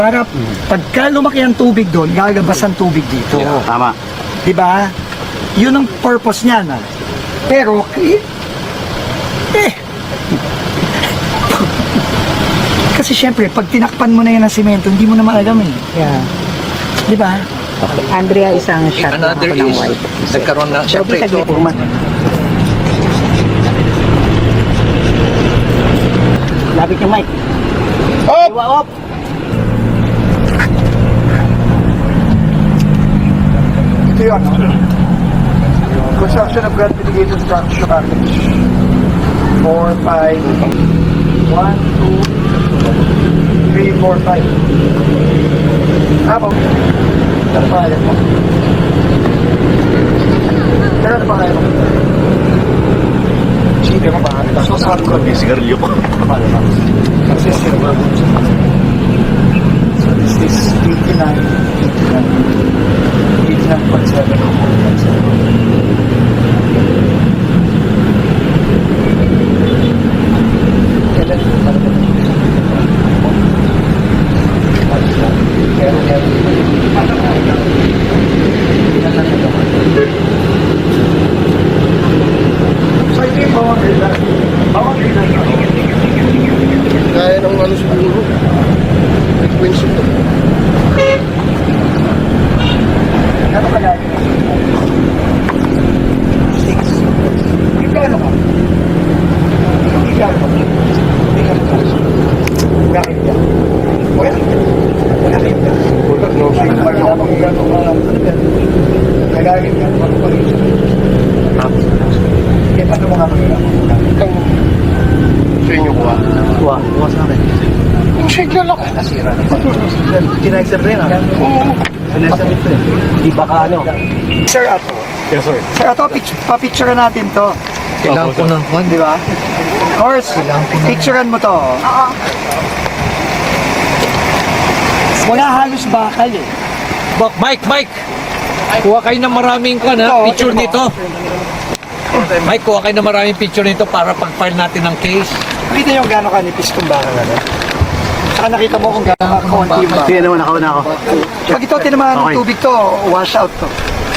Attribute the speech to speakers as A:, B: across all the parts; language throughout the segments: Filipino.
A: Para pagka lumaki ang tubig doon, lalabas ang tubig dito.
B: Tama.
A: Diba? Yun ang purpose niya na. Pero, kasi syempre, pag tinakpan mo na yan ng simento, hindi mo na maalam eh.
C: Yeah.
A: Diba?
C: Andrea, isang shot na
D: Another
C: ako ng
D: is,
C: white.
D: nagkaroon na, syempre ito,
C: Lapit yung mic.
B: Op!
C: Op!
A: Ito yun. Construction of ground mitigation structure package. 4, 5, 1, 2, 3, 4, 5. Habang, ano pa kaya mo? Pero ano pa kaya mo? Sige mo ba? So, saan ko?
B: Sigarilyo ko.
A: So this is 89.7. So ito yung bawang ilan. Bawang ilan.
B: Kaya ng ano siguro. Frequency to.
A: Ano kaya yun? 6. Ikano ka? Ikano ka? Ikano ka? Bakit ka? Wala. Wala kayo ka.
B: Wala, no.
A: Wala pang ikano ka. Kagagin ka. Kaya paano mo nga mag-ikano?
B: Sa inyo kuha.
A: Kuha sa akin.
B: Ang signal ako.
A: Nasira na pa. Kinaexer rin ah.
B: Oo.
A: Kinaexer rin ito eh.
C: Di ba ka ano?
A: Sir Ato.
B: Yes, sir.
A: Sir Ato, papicture natin to.
D: kailangan ko ng
A: Di ba? Of course, picturean mo to. Oo. Wala halos bakal eh.
D: Mike! Kuha kayo ng maraming picture nito. Mike, kuha kayo ng maraming picture nito para pag-file natin ng case.
A: Nakita nyo gano'ng kanipis kung bakal ano? Saka nakita mo kung gano'ng kaunti yung bakal.
B: Sige naman, ako na ako.
A: Pag ito tinamaan ng
B: Okay.
A: tubig to, wash out to.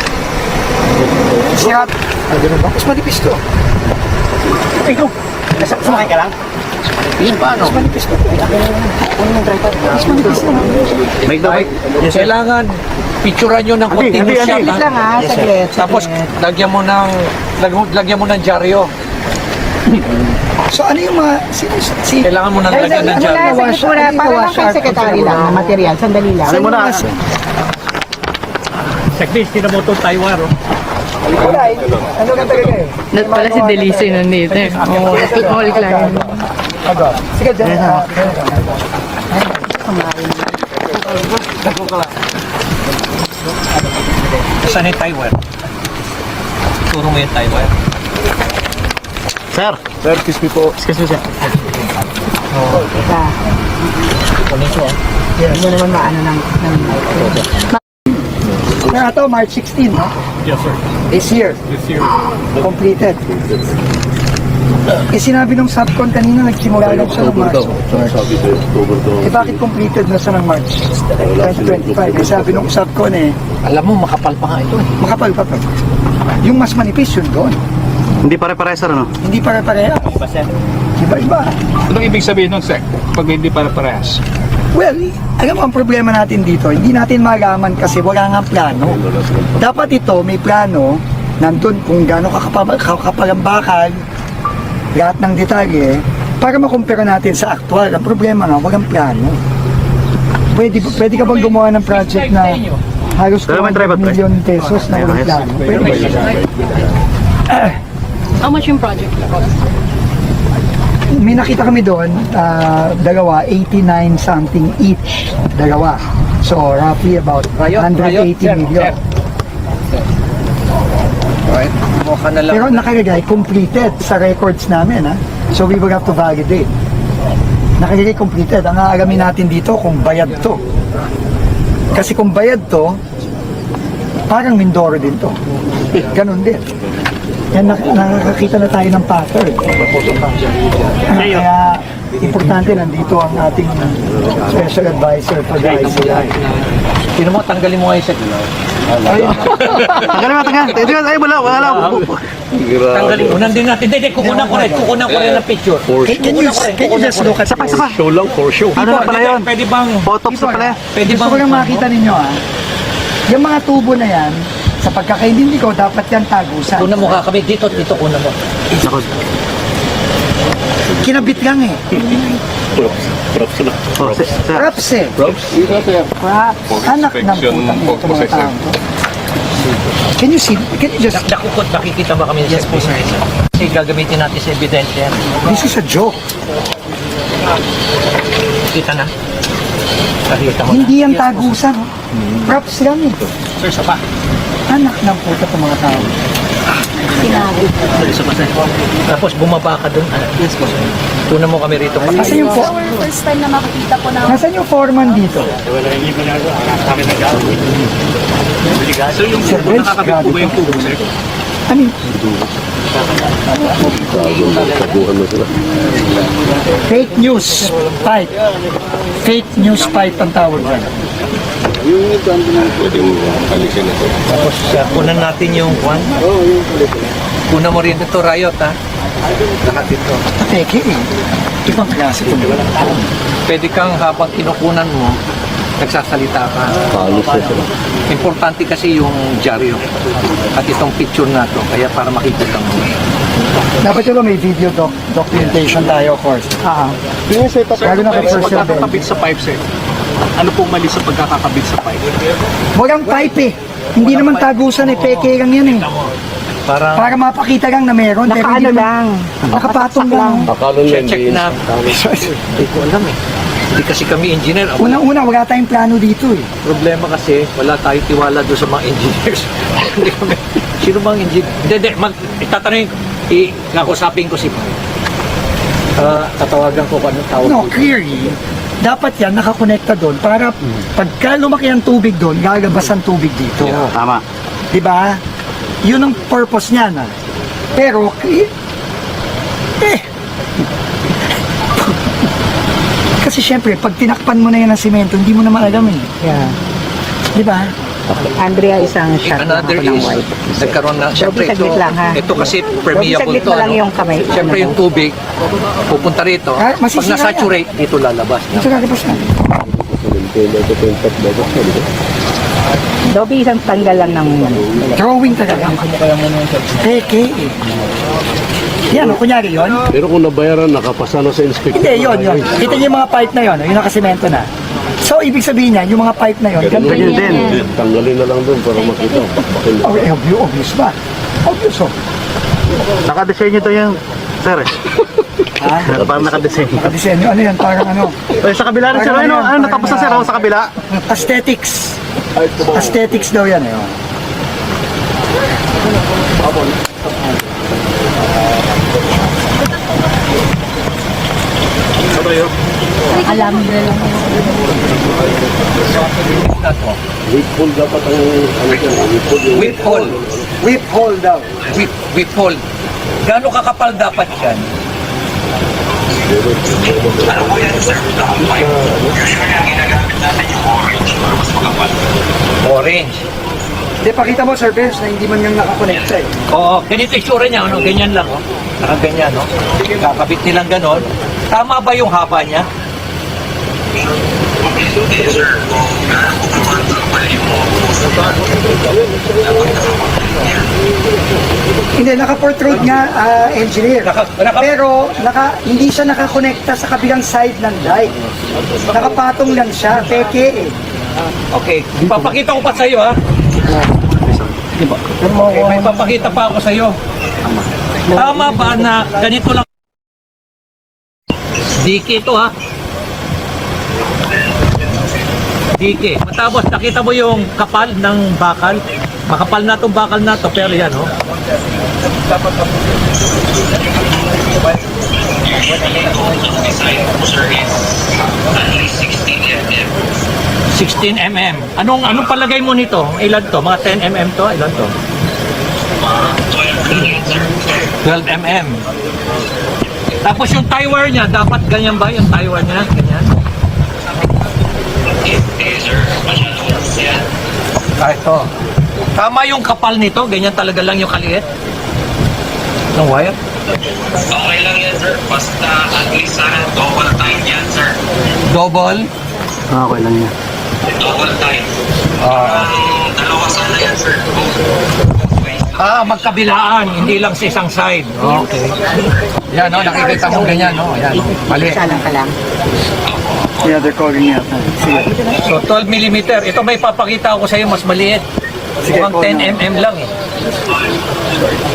A: Siya, mas manipis to. Ikaw, sumakay ka lang?
D: Paano?
A: Mas manipis to. Mas manipis to.
B: Make the mic.
D: Kailangan picturean nyo ng continuous shot.
C: Saglit lang ha,
A: Yes, sir.
C: saglit.
D: Tapos lagyan mo ng dyaryo.
A: So ano yung mga...
D: Kailangan mo nang lagyan ng dyaryo.
C: Saglit muna, para lang kay secretary lang na material. Sandali lang.
B: Ano mo na?
D: Saglit, kinamoto Taiwan.
A: Wala eh. Ano ka talaga eh?
E: Not pala si Delice nandito eh. Oo, all client.
A: Sige, dyan.
D: Saan yung Taiwan? Turo mo yung Taiwan.
B: Sir. Sir, excuse me po. Excuse me, sir.
C: Hindi mo naman maano ng
A: Kaya ito, March 16, no?
D: Yes, sir.
A: This year. Completed. Eh sinabi nung subcon kanina, nagsimula lang siya ng March. Eh bakit completed na siya ng March 2025? Eh sabi nung subcon eh,
D: Alam mo, makapal pa nga ito eh.
A: makapal pa to. Yung mas manipis yun doon.
B: Hindi pare-pare, sir, ano?
A: Hindi pare-pareha. Iba-iba.
F: Anong ibig sabihin nun, Sek? Pag hindi para parehas?
A: Well, alam mo ang problema natin dito, hindi natin malaman kasi wala nga plano. Dapat ito, may plano, nandun kung gaano kakapal ang bakal, lahat ng detalye, para makumpara natin sa actual. Ang problema nga, walang plano. Pwede ka bang gumawa ng project na halos
B: Pero may tripod,
A: 200 million pesos na walang plano? Pwede ba?
E: How much yung project?
A: May nakita kami doon, dalawa, 89 something each, dalawa. So, roughly about 180 million.
D: Right? Mukha na lang.
A: Pero nakalagay, completed sa records namin, ha? So, we will have to validate. Nakalagay completed. Ang aalamin natin dito kung bayad to. Kasi kung bayad to, parang Mindoro din to. Ganun din. Yan, nakakakita na tayo ng pattern. Kaya, importante, nandito ang ating special advisor for the ICI.
D: Sino mo, tanggalin mo nga yung set.
B: Tanggalin. Ay, wala.
D: Tanggalin mo. Nandun natin. Hindi, kukunan ko rin ng picture.
A: Can you just look at this?
B: Show lang, for show.
D: Ano na pala yun? Pwede bang...
B: Botox na pala.
D: Pwede
A: Gusto
D: bang...
A: ko lang makita ninyo yung mga tubo na yan, sa pagkakaintindi ko, dapat yan tagusan.
D: Kunan mo kami. Dito, kunan mo.
A: Kinabit lang eh.
B: Props na.
A: Props eh.
B: Props?
A: Anak ng putang ito mga tao. Can you just...
D: Nakikita ba kami? Yes po, sir. Kasi gagamitin natin sa ebidensya yan.
A: This is a joke.
D: Kita na. Nakita mo na.
A: Hindi yan tagusan. Props lang eh.
D: Sir, sapa.
A: Anak ng puta itong mga tao.
D: Isa pa, sir. Tapos bumaba ka doon. Yes po, sir. Kunan mo kami rito.
A: Nasaan yung,
G: First time na makikita ko na
A: nasaan yung foreman dito?
F: So yung
A: Sir,
F: tubo, nakakabit po ba yung tubo, sir?
A: Ano yun? Fake news pipe. Fake news pipe ang tawag dyan.
D: Tapos kunan natin yung kwan. Kunan mo rin ito, Riot, ha? Lahat ito.
A: Peke eh. Ibang klase ito.
D: Pwede kang habang kinukunan mo, nagsasalita ka. Importante kasi yung dyaryo at itong picture na to, kaya para makikita mo.
A: Dapat yun may video documentation tayo, of course.
F: Sir,
A: Lalo na kay
F: sa
A: First Servant.
F: pagkakabit sa pipe, sir. Ano pong mali sa pagkakakabit sa pipe?
A: Walang pipe eh. Hindi naman tagusan eh. Peke lang yan eh.
D: Para
A: Para mapakita lang na meron. pero
C: Nakaano
A: hindi naman-
C: lang.
A: Nakapatong lang.
D: check na. Hindi ko alam eh. Hindi kasi kami engineer.
A: Unang-una, wala tayong plano dito eh.
D: Problema kasi, wala tayong tiwala doon sa mga engineers. Hindi kami. Sino bang engineer? Hindi. Itatanungin ko. Nakusapin ko si tatawagan ko kung anong tawag.
A: No, clearly, dapat yan nakakonekta doon para pagka lumaki ang tubig doon, lalabas ang tubig dito.
B: Tama.
A: Di ba? Yun ang purpose niya na. Pero, kasi syempre, pag tinakpan mo na yan ng simento, hindi mo na maalam eh.
C: Yeah.
A: Di ba?
C: Andrea, isang shot lang
D: Another
C: ako ng
D: is,
C: white.
D: nagkaroon na, syempre ito,
C: saglit lang, ha?
D: ito kasi permeable
C: Saglit
D: to.
C: mo lang yung kamay.
D: Syempre yung tubig, pupunta rito.
A: Ah,
D: Pag
A: masisira
D: na-saturate, dito lalabas.
A: Ito lalabas na.
C: Dobby, isang tanggal lang ng
A: Drawing talaga. Peke eh. Yan, kunyari yun.
B: Pero kung nabayaran, nakapasa na sa inspector.
A: Hindi, yun. Kita niyo yung mga pipe na yun, yung nakasemento na. So, ibig sabihin niya, yung mga pipe na yun, ganito yun din.
B: Tanggalin na lang doon para makita.
A: Oh, obvious ba? Obvious oh.
B: Nakadesign nyo to yung, sir.
A: Ha?
B: Parang nakadesign.
A: Nakadesenyo, ano yan, parang ano.
B: Sa kabila rin, sir. Ano natapos na, sir? Sa kabila?
A: Aesthetics. Aesthetics daw yan eh. Oh.
G: alam nila lang.
B: Weekful dapat ang, ano yan, weekful.
D: Whip hole.
A: Whip hole daw.
D: Whip hole. Gaano kakapal dapat yan? Orange.
A: Hindi, pakita mo, Sir Benz, na hindi man yung nakakonekta eh.
D: Oo, ganito yung sura niya, ano? Ganyan lang, oh. Nakaganyan, no? Kakabit nilang ganon. Tama ba yung haba niya?
A: Hindi, naka-portrude nga, engineer. Pero hindi siya nakakonekta sa kabilang side ng dike. Nakapatong lang siya, peke eh.
D: Okay, papakita ko pa sa'yo, ha? May papakita pa ako sa'yo. Tama ba na ganito lang? Diki ito, ha? Diki. Matapos, nakita mo yung kapal ng bakal? Makapal na itong bakal na to, pero yan, oh. $16 mm. Anong palagay mo nito? Ilan to? Mga 10 mm to? Ilan to? 12 mm. Tapos yung tie wire niya, dapat ganyan ba yung tie wire niya? Ganyan. Ito. Tama yung kapal nito, ganyan talaga lang yung kaliit. Ng wire?
H: Okay lang yan, sir. Basta at least sana double time yan, sir.
D: Double?
B: Okay lang yan.
H: Double time. Dalawa sana yan, sir.
D: Magkabilaan, hindi lang sa isang side. Okay. Yan, no, nakikita mo ganyan, no? Yan, mali.
C: Isa lang ka lang.
A: Yeah, they're calling me up. Sige.
D: So, 12 mm. Ito may papakita ko sa iyo, mas maliit.
A: Sige,
D: Mukhang
A: call
D: 10
A: na.
D: mm lang eh.